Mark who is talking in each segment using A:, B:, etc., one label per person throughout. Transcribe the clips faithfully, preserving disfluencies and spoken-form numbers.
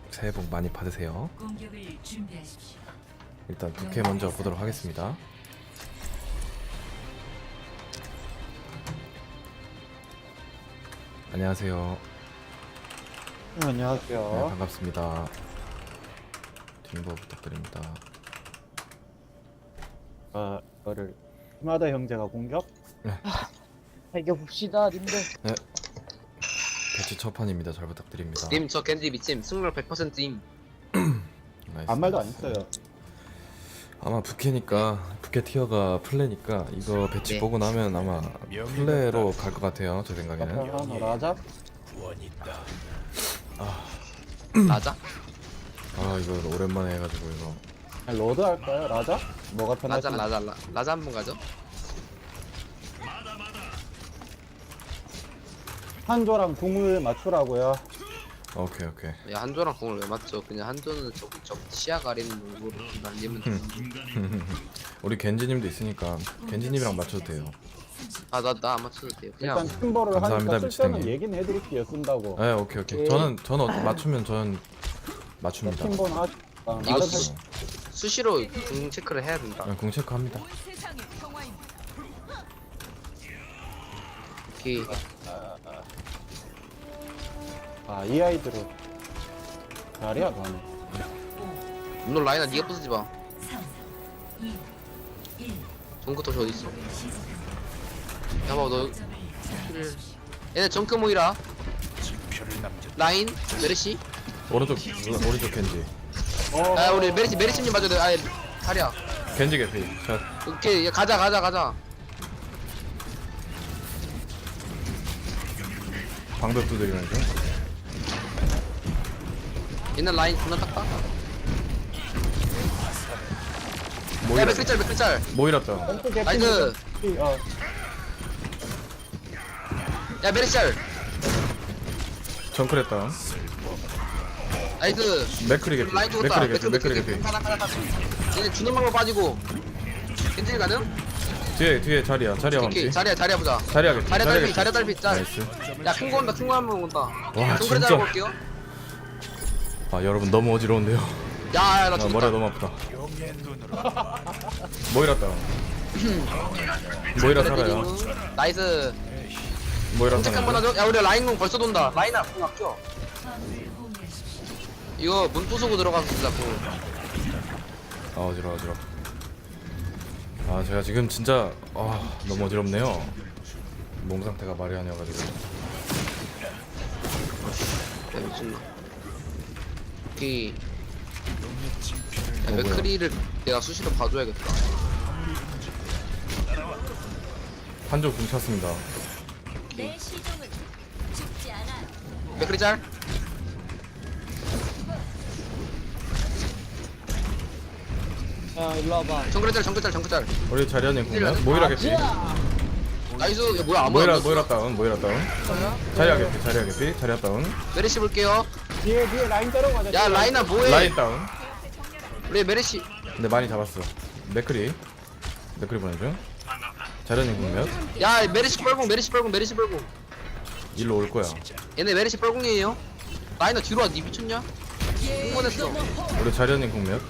A: 새해 복 많이 받으세요.
B: 공격을 준비하십시오.
A: 일단 부캐 먼저 보도록 하겠습니다. 안녕하세요.
C: 네, 안녕하세요.
A: 네, 반갑습니다. 딩보 부탁드립니다.
C: 아, 이거를 히마다 형제가 공격?
D: 이겨봅시다 님들.
A: 네. 배치 첫 판입니다. 잘 부탁드립니다.
E: 님 저 겐지 미침 승률 백 퍼센트임.
A: 나이스.
C: 아무 말도 안 했어요.
A: 아마 부캐니까 부캐 티어가 플레니까 이거 배치
E: 네.
A: 보고 나면 아마 플레로 갈 것 같아요. 제 생각에는.
C: 하나 라자?
E: 맞아?
A: 아 이거 오랜만에 해가지고 이거.
C: 아니, 로드 할까요? 라자? 뭐가 편하지?
E: 라자 라자 라, 라자 한번 가죠.
C: 한조랑 궁을 맞추라고요.
A: 오케이 오케이.
E: 야 한조랑 공을 왜 맞죠? 그냥 한조는 저, 저 시야 가리는 농구로 날리면 돼.
A: 우리 겐지님도 있으니까 겐지님이랑 맞춰도 돼요.
E: 아나 나 안 맞춰도 돼요. 그냥
C: 일단 팀버를
A: 감사합니다,
C: 하니까 쓸 때는
A: 미치탱이.
C: 얘기는 해드릴게요. 쓴다고.
A: 네 오케이 오케이. 저는 저는 어- 맞추면 저는 맞춥니다.
C: 팀버는 하... 아,
E: 이거
C: 나름
E: 수, 수시로 공 체크를 해야 된다.
A: 네, 공 체크합니다.
E: 오케이.
C: 아, 이 아이들은 잘해야 너네.
E: 물론 라인아 니가 부수지 마.
B: 삼, 이, 일.
E: 정크 도시 어디 있어? 야봐 너 얘네 정크 모이라. 라인 메르시.
A: 오른쪽 오른쪽 겐지.
C: 어,
E: 아 우리 메르시 메르시님 맞아야 돼. 아예 다리야.
A: 겐지 개피. 자
E: 오케이 야, 가자 가자 가자.
A: 방벽 두드리면서.
E: 옛날 라인 존나 딱딱. 야
A: 모이라
E: 맥클짤 맥클짤.
A: 모이랐다.
C: 왼쪽 개피.
E: 나이스.
C: 어,
E: 야 메르짤.
A: 정크랬다.
E: 나이스.
A: 맥크리 개피.
E: 라인 죽었다.
A: 맥크리 개피. 맥크리
E: 맥클
A: 개피.
E: 가나 가나 가나. 얘네 주는 방법 빠지고. 괜찮이 가능?
A: 뒤에 뒤에 자리야. 자리야
E: 오케이
A: 감지.
E: 자리야 자리야 보자.
A: 자리야 개피.
E: 자리야
A: 자리야
E: 달피
A: 개피.
E: 자리야 달피 짤.
A: 나이스.
E: 야큰 거 온다 큰 거 한 번 온다.
A: 와,
E: 정글에
A: 진짜.
E: 잡아 볼게요.
A: 아 여러분 너무 어지러운데요.
E: 야야 나
A: 아,
E: 죽었다.
A: 머리가 너무 아프다. 모이랐다. 모이라 살아요.
E: 나이스.
A: 모이라
E: 체크 한번
A: 사는데.
E: 하죠. 야 우리 라인 공 벌써 돈다. 라인아 공 아껴. 이거 문 부수고 들어가서 진짜 공.
A: 아 어지러 어지러. 아 제가 지금 진짜 아 너무 어지럽네요. 몸 상태가 말이 아니어가지고.
E: 야 미친나. 오케이. 야,
A: 어, 뭐야.
E: 맥크리를 내가 수시로 봐줘야겠다.
A: 한쪽 공 찼습니다.
B: 내 시종은 죽지 않아.
E: 맥크리 짤.
D: 야 일로 와봐.
E: 정글 짤 정글 짤 정글 짤.
A: 우리 자리아님 공략 모이라 개피.
E: 나이스. 야 뭐야 아무도
A: 모이라
E: 안
A: 모이라
E: 넣었어.
A: 다운 모이라 다운. 자리아 개피 자리아 개피 자리아 다운.
E: 메르시 볼게요.
C: 뒤에 뒤에 라인 때려가자.
E: 야 라인아 뭐해?
A: 라인 다운.
E: 우리 메르시.
A: 근데 많이 잡았어. 맥크리 맥크리 보내줘. 자리아님 공략.
E: 야 메르시 뻘궁 메르시 뻘궁 메르시 뻘궁.
A: 일로 올 거야.
E: 얘네 메르시 뻘궁이에요. 라인아 뒤로 와. 니 미쳤냐? 흥분했어.
A: 우리 자리아님 공략.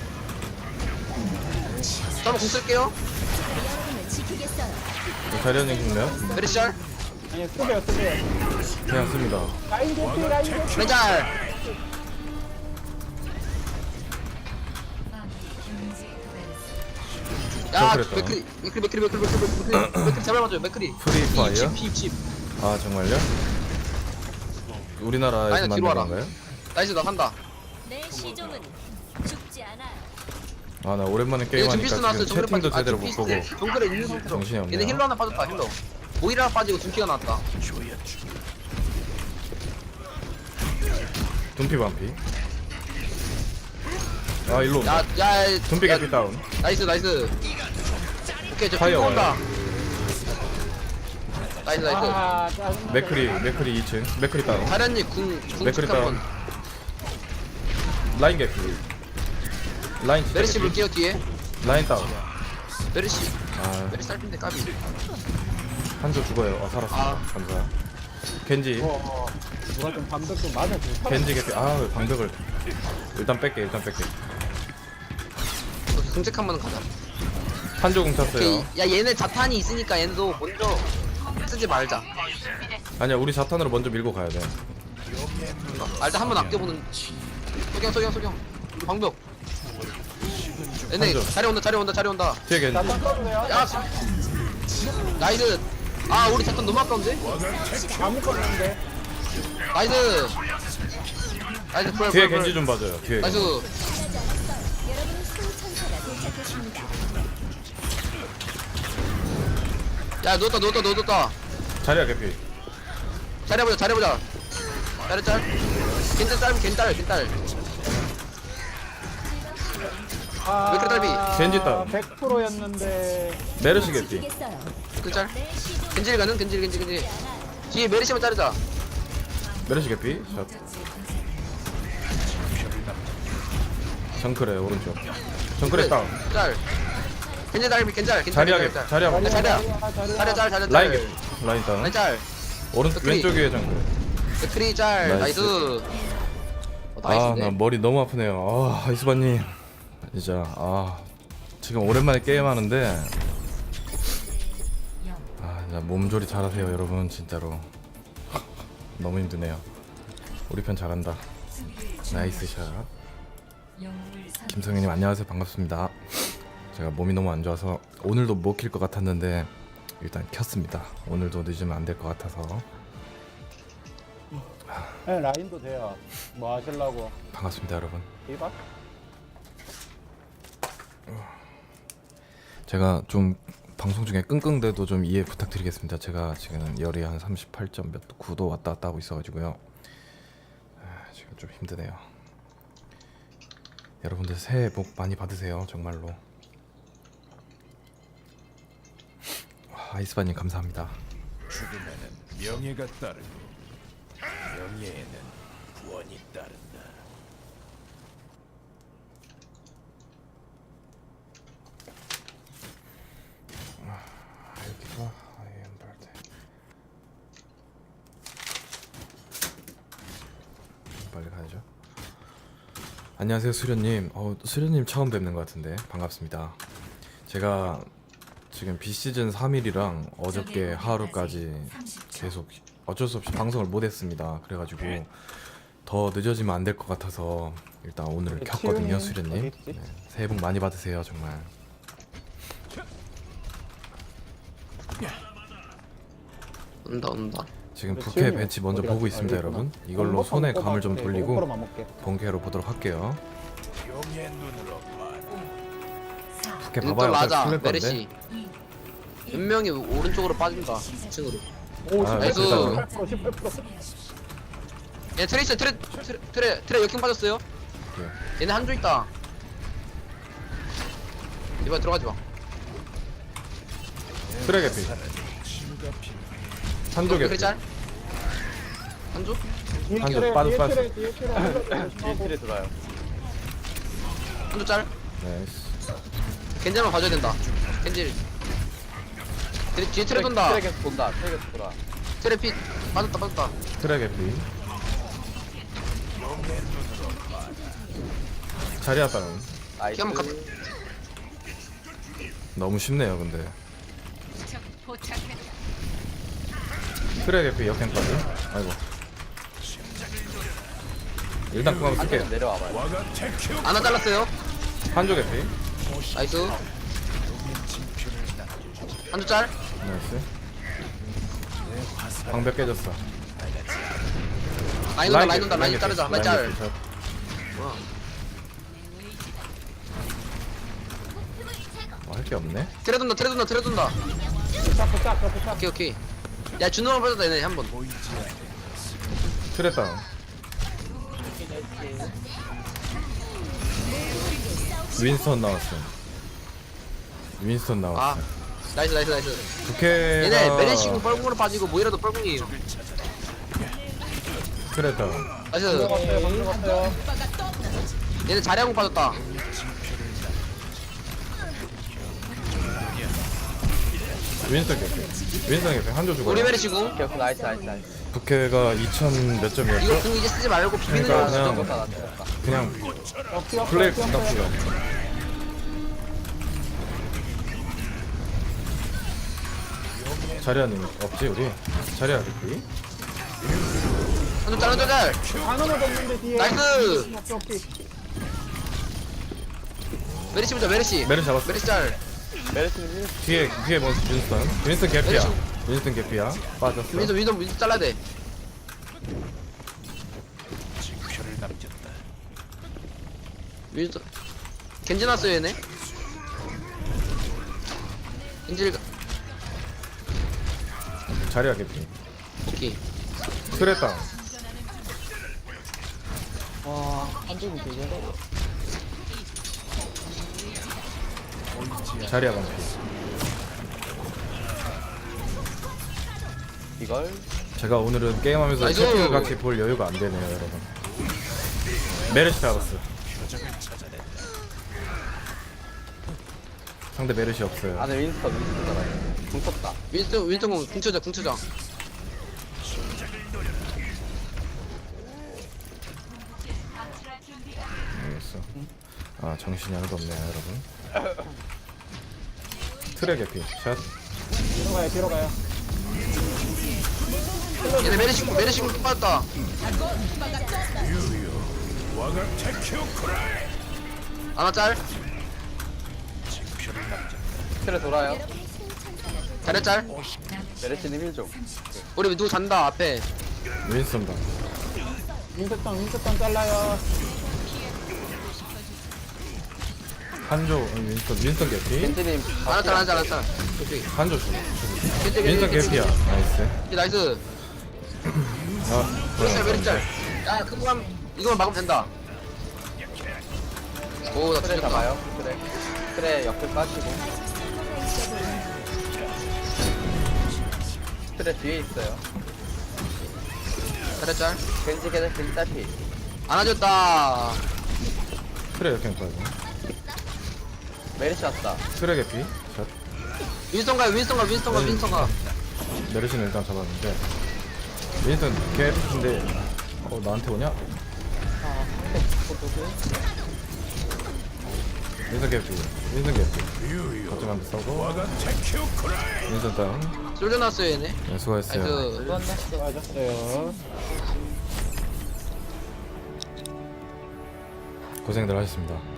E: 저 한번 공 쓸게요.
B: 여러분을 지키겠어요.
A: 우리 자리아님 공략.
E: 메르시 짤.
C: 아니, 쓰게요, 쓰게요.
A: 그냥 씁니다.
C: 라인 개피, 라인 개피.
E: 메짤. 야
A: 그랬다.
E: 맥크리 맥크리 맥크리 맥크리 맥크리 맥크리 맥크리 제발 맞아요 맥크리.
A: 프리 파이어?
E: 피 입십.
A: 아 정말요? 우리나라에서
E: 아니, 나 뒤로
A: 만든
E: 와라.
A: 건가요?
E: 나이스 나 산다.
B: 내 시종은 죽지 않아.
A: 아 나 오랜만에
E: 얘네 준피스
A: 게임하니까
E: 나왔어요.
A: 지금
E: 정글에
A: 채팅도
E: 빠지. 아
A: 제대로 못 보고
E: 준피스 정글에 있는 상태로.
A: 정신이 없네요.
E: 얘네 힐러 하나 빠졌다 힐러. 모이라 하나 빠지고 준피가 나왔다.
A: 둠피 반피. 아 일로 온다.
E: 야야
A: 둠피 개피 다운.
E: 나이스 나이스. 오케이 저
A: 파이어
E: 핑크 온다.
A: 와요.
E: 나이스 나이스.
C: 아, 짜증나.
A: 맥크리 맥크리 이 층. 맥크리 다운.
E: 다련님 궁궁
A: 맥크리
E: 체크 한번.
A: 다운. 라인 개피. 라인 진짜
E: 메르시
A: 개피.
E: 볼게요 뒤에.
A: 라인 다운.
E: 메르시.
A: 아
E: 메르시 딸핀데 까비.
A: 한조 죽어요. 아 살았어.
E: 아.
A: 감사. 겐지
C: 어, 어. 누가 좀 방벽 좀 맞아줘.
A: 겐지 개피. 아 방벽을 일단 뺄게 일단 뺄게.
E: 금색 한번 가자.
A: 한조 공 찼어요.
E: 오케이. 야 얘네 자탄이 있으니까 얘도 먼저 쓰지 말자.
A: 아니야 우리 자탄으로 먼저 밀고 가야 돼.
E: 아, 일단 한번 아껴보는. 소경 소경 소경. 방벽. 얘네
A: 한조.
E: 자리 온다 자리 온다 자리 온다.
A: 뒤에 겐지.
C: 자탄 써도 돼요?
E: 야 나이스. 아 우리 자탄 너무 아까운데?
C: 다 묶었는데.
E: 나이스. 나이스 풀
A: 뒤에
E: 풀, 풀.
A: 겐지 좀 봐줘요. 뒤에.
E: 나이스.
B: 여러분의 수호천사가 도착했습니다.
E: 야 누웠다 누웠다 누웠다.
A: 자리야 개피.
E: 잘해보자 잘해보자. 잘해 잘. 겐짤 짤 겐짤 겐짤.
C: 아,
E: 왜 이렇게 딸비?
A: 겐지 다운.
C: 백 퍼센트였는데.
A: 메르시 개피.
B: 지키겠어요.
E: 그 짤.
B: 내 시종은
E: 겐질 가는 겐질 겐질 겐질. 뒤에 메리시만 자르자.
A: 메르시 개피. 샷. 정크래 오른쪽. 정크래 다운.
E: 짤. 겐질 달비 겐짤 겐짤.
A: 자리야
E: 겐짤,
A: 개피.
E: 짤.
A: 자리야 개피.
E: 자리야.
C: 자리야, 자리야.
E: 자리야 짤 자리야 짤.
A: 라인 개피. 라인 다운.
E: 라인 짤.
A: 오른
E: 스크린.
A: 왼쪽 위에 정크.
E: 트리 짤.
A: 나이스.
E: 나이스. 어,
A: 아,
E: 나이스네.
A: 나 머리 너무 아프네요. 아, 이수바님. 진짜, 아, 지금 오랜만에 게임하는데, 아, 진짜 몸조리 잘하세요, 여러분, 진짜로. 너무 힘드네요. 우리 편 잘한다. 나이스 샷. 김성현님 안녕하세요, 반갑습니다. 제가 몸이 너무 안 좋아서 오늘도 못 킬 것 같았는데 일단 켰습니다. 오늘도 늦으면 안 될 것 같아서
C: 네, 라인도 돼요. 뭐 하실라고?
A: 반갑습니다, 여러분.
C: 이박?
A: 제가 좀 방송 중에 끙끙대도 좀 이해 부탁드리겠습니다. 제가 지금 열이 한 삼십팔 점 몇 구 도 왔다 갔다 하고 있어가지고요. 아, 지금 좀 힘드네요. 여러분들 새해 복 많이 받으세요, 정말로. 와, 아이스바님 감사합니다.
F: 죽음에는 명예가 따르고 명예에는 구원이 따른다.
A: 여기가 아이엠발드. 빨리 가야죠. 안녕하세요, 수련님. 어, 수련님 처음 뵙는 것 같은데 반갑습니다. 제가 지금 비시즌 삼 일이랑 어저께 하루까지 계속 어쩔 수 없이 방송을 못했습니다. 그래가지고 더 늦어지면 안 될 것 같아서 일단 오늘 켰거든요,
C: 치우님
A: 수련님.
C: 어디 있지?
A: 네, 새해 복 많이 받으세요, 정말.
E: 온다 온다.
A: 지금
C: 근데
A: 부캐
C: 치우님
A: 벤치 먼저
C: 어디
A: 보고
C: 갔지?
A: 있습니다,
C: 아, 여기
A: 여러분.
C: 있구나.
A: 이걸로
C: 한번
A: 손에
C: 뽑아볼게.
A: 감을 좀 돌리고
C: 고프로만 먹게.
A: 본캐로 보도록 할게요.
F: 용의 눈으로 봐라.
A: 부캐
E: 또
A: 봐봐요.
E: 라자
A: 어차피 틀릴 건데.
E: 메리시. 몇 명이 오른쪽으로 빠진다. 이층으로.
C: 오,
A: 아,
E: 나이스.
C: 십팔 퍼센트, 십팔 퍼센트.
E: 얘 트레 있어 트레 트레 트레 트레 역행 빠졌어요.
A: 오케이.
E: 얘네 한조 있다. 이번 들어가지 마.
A: 트랙 개피. 한조
E: 그래
A: 개피.
E: 짤. 한조?
C: 뒤에
A: 한조
C: 트레,
A: 빠졌어,
C: 뒤에
A: 빠졌어.
C: 트레, 뒤에 트레, 뒤에 트레 들어요.
E: 한조 짤.
A: 나이스.
E: 겐젤만 봐줘야 된다. 겐젤. 뒤에, 뒤에 트레 돈다.
D: 트랙에서 본다. 트랙에서 돌아.
E: 트레 핏 빠졌다 빠졌다.
A: 트랙 개피. 자리 아빠는
D: 나이스.
E: 키 한번 가.
A: 너무 쉽네요, 근데. 트랙 개피 역행까지. 아이고. 일단 그만 쓸게요.
D: 내려와봐요.
F: 와가 테큐
E: 하나 잘랐어요.
A: 한조 개피.
E: 나이스. 한조 짤.
A: 나이스. 방벽 깨졌어.
E: 라인 온다 라인 온다 라인
A: 개피,
E: 자르자 라인 짤.
A: 개피, 샷.
E: 뭐야.
A: 어, 할 게 없네.
E: 트레 돈다 트레 돈다 트레 돈다.
C: 짝, 짝, 짝, 짝.
E: 오케이 오케이. 야 준호만 빠졌다 얘네 한 번.
A: 트랙 다운. 윈스턴 나왔어. 윈스턴
E: 아
A: 나왔어.
E: 나이스 나이스 나이스.
A: 부캐가
E: 얘네 메레시고 뻘궁으로 빠지고 모이라도 뻘궁이에요.
A: 트랙 다운.
E: 나이스.
C: 들어갔어요, 들어갔어요.
E: 얘네 자리하고 빠졌다.
A: 윈스턴 개피. 윈스턴 개피. 한조 죽어요.
E: 우리 메레시고.
D: 오케이, 오케이. 나이스, 나이스, 나이스.
A: 부캐 어깨가 이천 몇 점이었죠?
E: 이거 궁 이제 쓰지 말고 비비는
A: 그러니까
E: 거
A: 그냥-
E: 진짜.
C: 나 죽었다.
A: 그냥
C: 어, 피 없어,
A: 플레이
C: 피 없어요.
A: 부탁드려. 자리아님 없지 우리? 자리아 됐지?
E: 한점 짤, 한점 짤.
C: 하나만 더 없는데 뒤에.
E: 나이스.
C: 오케이, 오케이.
E: 메리시 보자, 메리시.
A: 메르 잡았어.
E: 메리시 짤.
C: 메르스님
A: 뒤에 뒤에 뭐 윈스턴? 윈스턴 개피야. 윈스턴 개피야. 빠졌어.
E: 윈도 윈도 윈도 잘라야 돼.
F: 징표를 남겼다.
E: 윈도 겐지 났어요 얘네. 겐지
A: 자리아 개피.
E: 오케이.
A: 트레땅.
D: 와 한쪽이 되게 어려워.
A: 자리아 방피.
C: 이걸
A: 제가 오늘은 게임하면서
E: 나이스.
A: 채팅을 같이 볼 여유가 안 되네요, 여러분. 메르시 잡았어. 상대 메르시 없어요.
C: 안에 윈스터 윈스터잖아요. 궁 쳤다.
E: 윈스턴 윈스턴 공 궁쳐자 궁쳐자.
A: 알겠어. 아 정신이 하나도 없네요, 여러분. 트레 개피. 샷.
C: 뒤로 가요, 뒤로 가요.
E: 얘네 메리시 공 메리시 공또 빠졌다.
F: 와가 테큐 쿠라이.
E: 하나 짤.
F: 징표를 남겼다.
C: 틀에 돌아요.
B: 여러분의 수호천사가
E: 자리 짤.
C: 메르스님 일 좀.
E: 우리 누구 잔다 앞에.
A: 윈스턴 방.
C: 윈스턴, 윈스턴 잘라요.
A: 한조 어, 윈스턴 윈스턴 개피.
C: 겐지님.
E: 하나 짤 하나 짤 하나 짤. 오케이.
A: 한조 죽어.
E: 겐지
A: 윈스턴
E: 겐지
A: 개피야. 나이스.
E: 겐지 나이스.
A: 아
E: 메리시 짤
A: 뭐야.
E: 메리시 짤. 야 그거만 이거만 막으면 된다. 오나
C: 틀에
E: 죽였다.
C: 잡아요. 틀에. 틀에 옆에 빠지고. 틀에 뒤에 있어요.
E: 자리 짤.
C: 겐지 계속 겐지 딸피.
E: 안아줬다.
A: 트레 역행 빠져.
C: 메르시 왔다.
A: 트레 개피. 샷.
E: 윈스턴 가요 윈스턴 가 윈스턴 가 윈스턴 가.
A: 메르시는 일단 잡았는데. 윈스턴 개피인데. 어 나한테 오냐?
D: 아 포토스.
A: 윈스턴 개피. 윈스턴 개피. 거점 한대 써고.
F: 와가 테큐 쿠라이.
A: 윈스턴 다운.
E: 쏠려 났어요 얘네.
A: 네, 수고했어요.
E: 나이스.
D: 수고했네.
C: 맞았어요.
A: 고생들 하셨습니다.